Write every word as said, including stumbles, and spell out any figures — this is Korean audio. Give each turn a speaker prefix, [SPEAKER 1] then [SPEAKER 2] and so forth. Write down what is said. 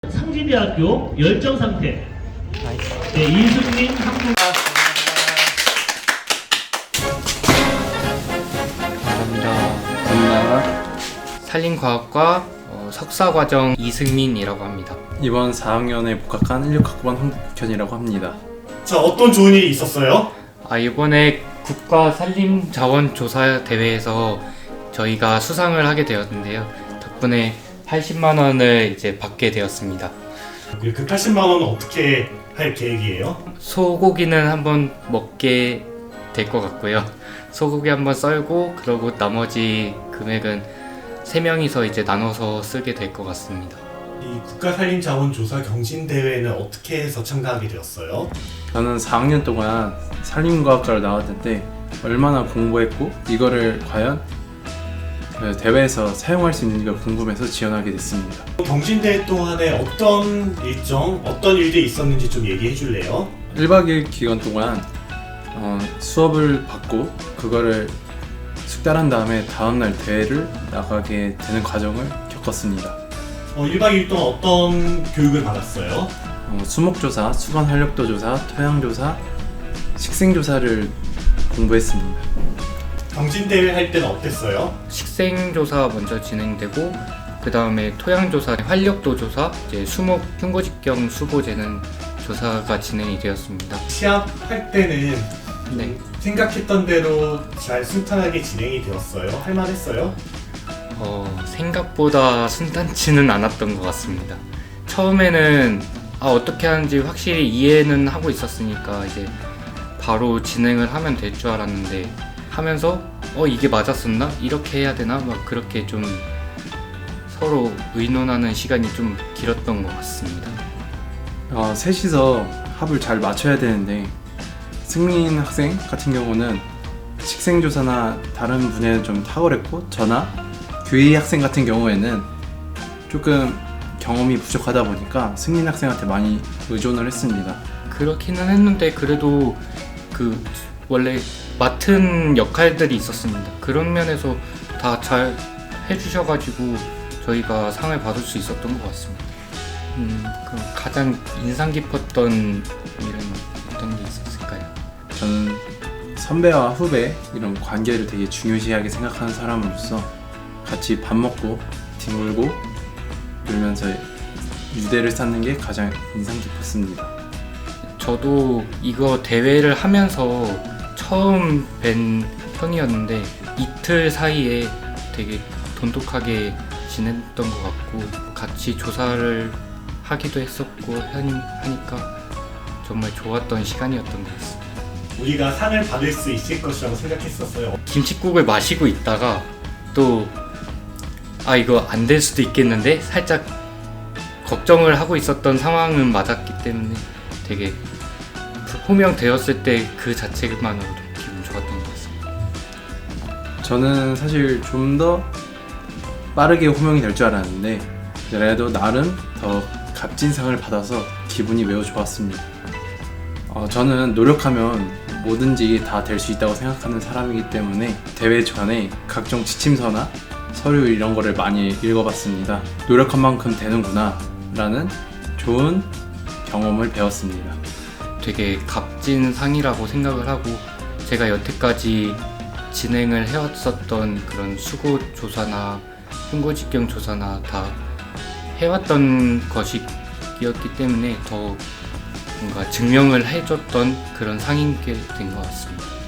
[SPEAKER 1] 상지대학교 열정 상태. 네, 이승민 한국.
[SPEAKER 2] 감사합니다.
[SPEAKER 3] 산림과학과 어, 석사과정 이승민이라고 합니다.
[SPEAKER 2] 이번 사 학년에 복학한 십육 학번 황국현이라고 합니다.
[SPEAKER 4] 자, 어떤 좋은 일이 있었어요?
[SPEAKER 3] 아, 이번에 국가 산림자원조사 대회에서 저희가 수상을 하게 되었는데요. 덕분에 팔십만 원을 이제 받게 되었습니다.
[SPEAKER 4] 그 팔십만 원은 어떻게 할 계획이에요?
[SPEAKER 3] 소고기는 한번 먹게 될 것 같고요. 소고기 한번 썰고 그러고 나머지 금액은 세 명이서 이제 나눠서 쓰게 될 것 같습니다.
[SPEAKER 4] 이 국가산림자원조사 경진대회는 어떻게 해서 참가하게 되었어요?
[SPEAKER 2] 저는 사 학년 동안 산림과학과를 나왔는데 얼마나 공부했고 이거를 과연 그 대회에서 사용할 수 있는지가 궁금해서 지원하게 됐습니다.
[SPEAKER 4] 경진대회 동안에 어떤 일정, 어떤 일들이 있었는지 좀 얘기해 줄래요?
[SPEAKER 2] 일 박 이 일 기간 동안 어, 수업을 받고 그거를 숙달한 다음에 다음날 대회를 나가게 되는 과정을 겪었습니다.
[SPEAKER 4] 어, 일 박 이 일 동안 어떤 교육을 받았어요?
[SPEAKER 2] 어, 수목조사, 수건 활력도 조사, 토양조사, 식생조사를 공부했습니다.
[SPEAKER 4] 경진대회 할 때는 어땠어요?
[SPEAKER 3] 식생조사 먼저 진행되고 그 다음에 토양조사, 활력도 조사, 이제 수목 흉고직경 수보재는 조사가 진행이 되었습니다.
[SPEAKER 4] 시합할 때는
[SPEAKER 3] 네.
[SPEAKER 4] 생각했던 대로 잘 순탄하게 진행이 되었어요? 할만했어요?
[SPEAKER 3] 어, 생각보다 순탄치는 않았던 것 같습니다. 처음에는 아, 어떻게 하는지 확실히 이해는 하고 있었으니까 이제 바로 진행을 하면 될 줄 알았는데 하면서 어 이게 맞았었나? 이렇게 해야 되나? 막 그렇게 좀 서로 의논하는 시간이 좀 길었던 것 같습니다.
[SPEAKER 2] 어, 셋이서 합을 잘 맞춰야 되는데 승민 학생 같은 경우는 식생조사나 다른 분야에는 좀 탁월했고 저나 규희 학생 같은 경우에는 조금 경험이 부족하다 보니까 승민 학생한테 많이 의존을 했습니다.
[SPEAKER 3] 그렇기는 했는데 그래도 그 원래 맡은 역할들이 있었습니다. 그런 면에서 다 잘 해주셔가지고 저희가 상을 받을 수 있었던 것 같습니다. 음, 그럼 가장 인상 깊었던 일은 어떤 게 있었을까요?
[SPEAKER 2] 저는 선배와 후배 이런 관계를 되게 중요시하게 생각하는 사람으로서 같이 밥 먹고 뒹굴고 놀면서 유대를 쌓는 게 가장 인상 깊었습니다.
[SPEAKER 3] 저도 이거 대회를 하면서 처음 뵌 형이었는데 이틀 사이에 되게 돈독하게 지냈던 것 같고 같이 조사를 하기도 했었고 하니, 하니까 정말 좋았던 시간이었던 것 같습니다.
[SPEAKER 4] 우리가 상을 받을 수 있을 것이라고 생각했었어요.
[SPEAKER 3] 김칫국을 마시고 있다가 또 아 이거 안 될 수도 있겠는데 살짝 걱정을 하고 있었던 상황은 맞았기 때문에 되게 호명되었을 때 그 자체만으로도 기분 좋았던 것 같습니다.
[SPEAKER 2] 저는 사실 좀 더 빠르게 호명이 될 줄 알았는데 그래도 나름 더 값진 상을 받아서 기분이 매우 좋았습니다. 어, 저는 노력하면 뭐든지 다 될 수 있다고 생각하는 사람이기 때문에 대회 전에 각종 지침서나 서류 이런 거를 많이 읽어봤습니다. 노력한 만큼 되는구나 라는 좋은 경험을 배웠습니다.
[SPEAKER 3] 되게 값진 상이라고 생각을 하고 제가 여태까지 진행을 해왔었던 그런 수고 조사나 흉고직경 조사나 다 해왔던 것이었기 때문에 더 뭔가 증명을 해줬던 그런 상인 게 된 것 같습니다.